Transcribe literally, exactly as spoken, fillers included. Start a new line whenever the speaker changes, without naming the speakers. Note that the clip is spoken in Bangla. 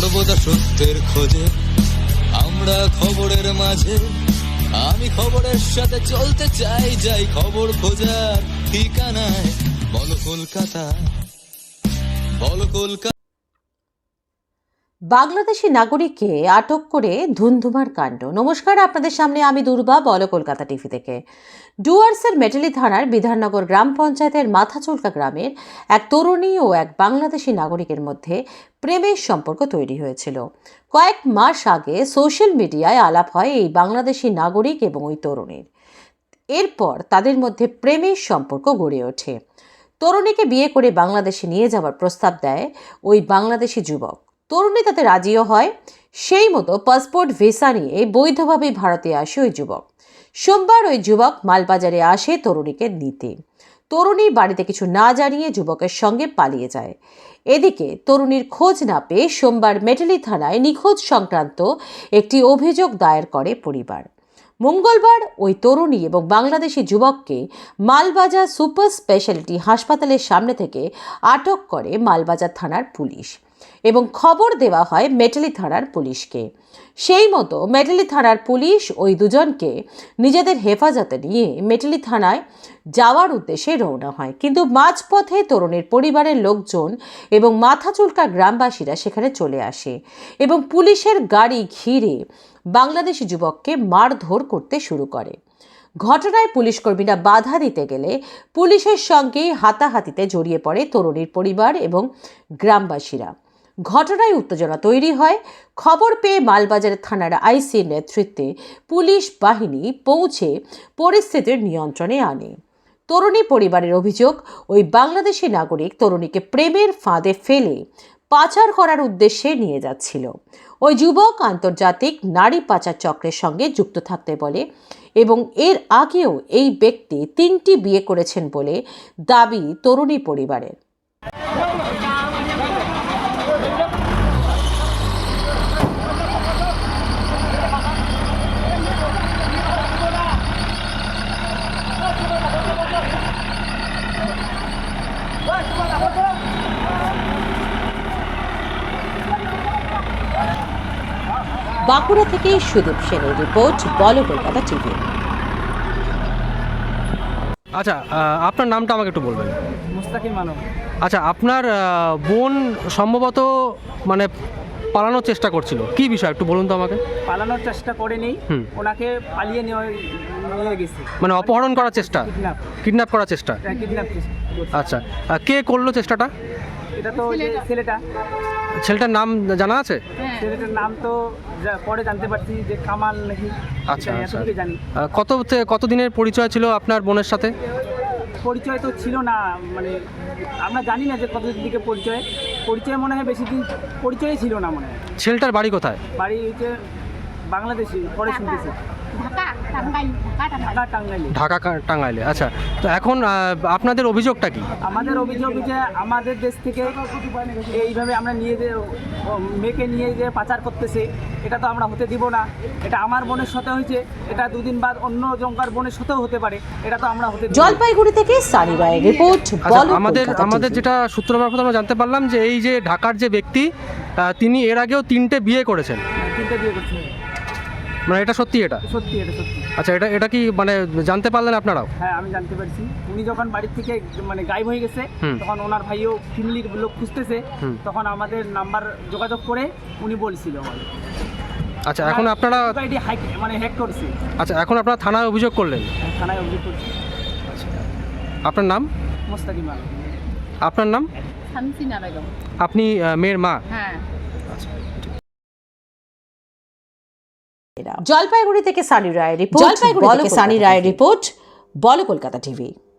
সর্বদা সত্যের খোঁজে আমরা খবরের মাঝে। আমি খবরের সাথে চলতে চাই, যাই খবর খোঁজার ঠিকানায়। বলো কলকাতা, বলো কলকাতা।
বাংলাদেশি নাগরিককে আটক করে ধুন্ধুমার কাণ্ড। নমস্কার, আপনাদের সামনে আমি দুর্বা, বলো কলকাতা টিভি থেকে। ডুয়ার্সের মেটালি থানার বিধাননগর গ্রাম পঞ্চায়েতের মাথাচুলকা গ্রামের এক তরুণী ও এক বাংলাদেশি নাগরিকের মধ্যে প্রেমের সম্পর্ক তৈরি হয়েছিল। কয়েক মাস আগে সোশ্যাল মিডিয়ায় আলাপ হয় এই বাংলাদেশি নাগরিক এবং ওই তরুণীর। এরপর তাদের মধ্যে প্রেমের সম্পর্ক গড়ে ওঠে। তরুণীকে বিয়ে করে বাংলাদেশে নিয়ে যাওয়ার প্রস্তাব দেয় ওই বাংলাদেশি যুবক। তরুণী তাতে রাজিও হয়। সেই মতো পাসপোর্ট ভিসা নিয়ে বৈধভাবে ভারতে আসে ওই যুবক। সোমবার ওই যুবক মালবাজারে আসে তরুণীকে নিতে। তরুণী বাড়িতে কিছু না জানিয়ে যুবকের সঙ্গে পালিয়ে যায়। এদিকে তরুণীর খোঁজ না পেয়ে সোমবার মেটালি থানায় নিখোঁজ সংক্রান্ত একটি অভিযোগ দায়ের করে পরিবার। মঙ্গলবার ওই তরুণী এবং বাংলাদেশি যুবককে মালবাজার সুপার স্পেশালিটি হাসপাতালের সামনে থেকে আটক করে মালবাজার থানার পুলিশ এবং খবর দেওয়া হয় মেটালি থানার পুলিশকে। সেই মতো মেটালি থানার পুলিশ ওই দুজনকে নিজেদের হেফাজতে নিয়ে মেটালি থানায় যাওয়ার উদ্দেশ্যে রওনা হয়। কিন্তু মাঝপথে তরুণীর পরিবারের লোকজন এবং মাথাচুলকা গ্রামবাসীরা সেখানে চলে আসে এবং পুলিশের গাড়ি ঘিরে বাংলাদেশি যুবককে মারধর করতে শুরু করে। ঘটনায় পুলিশ কর্মীরা বাধা দিতে গেলে পুলিশের সঙ্গে হাতাহাতিতে জড়িয়ে পড়ে তরুণীর পরিবার এবং গ্রামবাসীরা। ঘটনায় উত্তেজনা তৈরি হয়। খবর পেয়ে মালবাজার থানার আইসির নেতৃত্বে পুলিশ বাহিনী পৌঁছে পরিস্থিতির নিয়ন্ত্রণে আনে। তরুণী পরিবারের অভিযোগ, ওই বাংলাদেশি নাগরিক তরুণীকে প্রেমের ফাঁদে ফেলে পাচার করার উদ্দেশ্যে নিয়ে যাচ্ছিল। ওই যুবক আন্তর্জাতিক নারী পাচার চক্রের সঙ্গে যুক্ত থাকতে বলে এবং এর আগেও এই ব্যক্তি তিনটি বিয়ে করেছেন বলে দাবি তরুণী পরিবারের। বাঁকুড়া থেকে সুদীপ সেনের রিপোর্ট, বলো কলকাতা টিভি।
আচ্ছা, আপনার নামটা আমাকে একটু বলবেন।
মুস্তাকিম মানব।
আচ্ছা, আপনার বোন সম্ভবত মানে পালানোর চেষ্টা করছিল, কি বিষয় একটু বলুন তো আমাকে।
পালানোর চেষ্টা করেনি, ওনাকে পালিয়ে নিয়ে নিয়ে গেছে,
মানে অপহরণ করার চেষ্টা,
কিডন্যাপ
কিডন্যাপ করার চেষ্টা।
কিডন্যাপ
আচ্ছা, কে করলো চেষ্টাটা?
এটা তো ওই যে ছেলেটা।
ছেলেটার নাম জানা আছে?
ছেলেটার নাম তো পরে জানতে পারছি যে কামাল নাকি।
আচ্ছা আচ্ছা,
জানি।
কত কত দিনের পরিচয় ছিল আপনার বোনের সাথে?
পরিচয় তো ছিল না, মানে আমরা জানি না যে কতদিন দিকে পরিচয় পরিচয় মনে হয় বেশি দিন পরিচয়ই ছিল না মনে হয়।
ছেলেটার বাড়ি কোথায়?
বাড়ি হচ্ছে বাংলাদেশি, পরে শুনতেছি
ঢাকা টাঙ্গাইলে। আচ্ছা, তো এখন আপনাদের অভিযোগটা কি?
আমাদের অভিযোগ যে আমাদের দেশ থেকে এইভাবে আমরা নিয়ে যে মেয়েকে নিয়ে যে পাচার করতেছে, এটা তো আমরা হতে দিব না। এটা আমার বোনের সাথে হয়েছে, এটা দুদিন বাদ অন্য জঙ্কার বোনের সাথেও হতে পারে, এটা তো আমরা হতে।
জলপাইগুড়ি থেকে সানি রায়ের রিপোর্ট, বলো।
আমাদের আমাদের যেটা সূত্র মারফত আমরা জানতে পারলাম যে এই যে ঢাকার যে ব্যক্তি, তিনি এর আগেও তিনটে বিয়ে করেছেন।
তিনটে বিয়ে করছেন,
মানে এটা সত্যি? এটা
সত্যি, এটা সত্যি।
আচ্ছা, এটা এটা কি মানে জানতে পারলেন আপনারাও?
হ্যাঁ, আমি জানতে পারছি। উনি যখন বাড়ির থেকে মানে গায়েব হয়ে গেছে, তখন ওনার ভাইও ফ্যামিলির লোক খুঁজতেছে, তখন আমাদের নাম্বার যোগাযোগ করে উনি বলছিল আমাদের।
আচ্ছা, এখন আপনারা
মানে হ্যাক করছে।
আচ্ছা, এখন আপনারা থানায় অভিযোগ করলেন?
থানায় অভিযোগ করছি।
আচ্ছা, আপনার নাম?
মুস্তাকিম মানব।
আপনার নাম?
শামসিনা বেগম।
আপনি মেয়ের মা?
হ্যাঁ।
জলপাইগুড়ি থেকে সানি রায়ের রিপোর্ট, জলপাইগুড়ি থেকে সানি রায়ের রিপোর্ট, বলো কলকাতা টিভি।